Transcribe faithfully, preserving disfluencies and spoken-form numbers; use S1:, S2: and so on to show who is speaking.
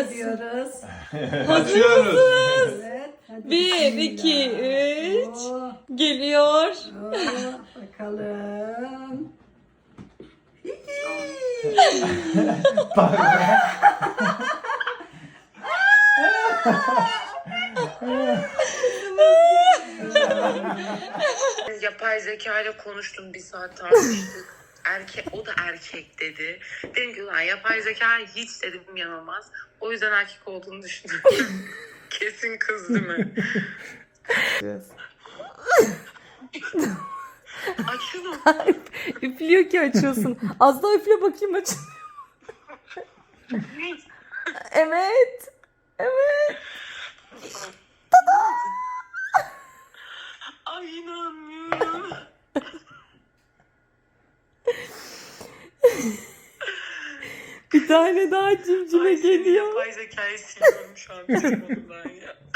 S1: Açıyoruz.
S2: Açıyoruz.
S1: Evet. Hadi
S3: Bir,
S1: bismillah.
S3: iki, üç.
S1: Oh,
S3: Geliyor.
S1: oh, bakalım.
S4: Yapay zeka ile konuştum, bir saat tartıştık. Erkek, o da erkek dedi. Dedim ki ulan yapay zeka hiç dedim yanılmaz. O yüzden erkek olduğunu düşündüm. Kesin kız değil mi? Açılın.
S3: Üflüyor ki açıyorsun. Az daha üfle bakayım aç. Evet. Evet.
S4: Ay inanmıyorum.
S3: Bir tane daha cimcime
S4: Ay, senin
S3: geliyor.
S4: yapay zekayı siliyorum şu an telefonumdan ya.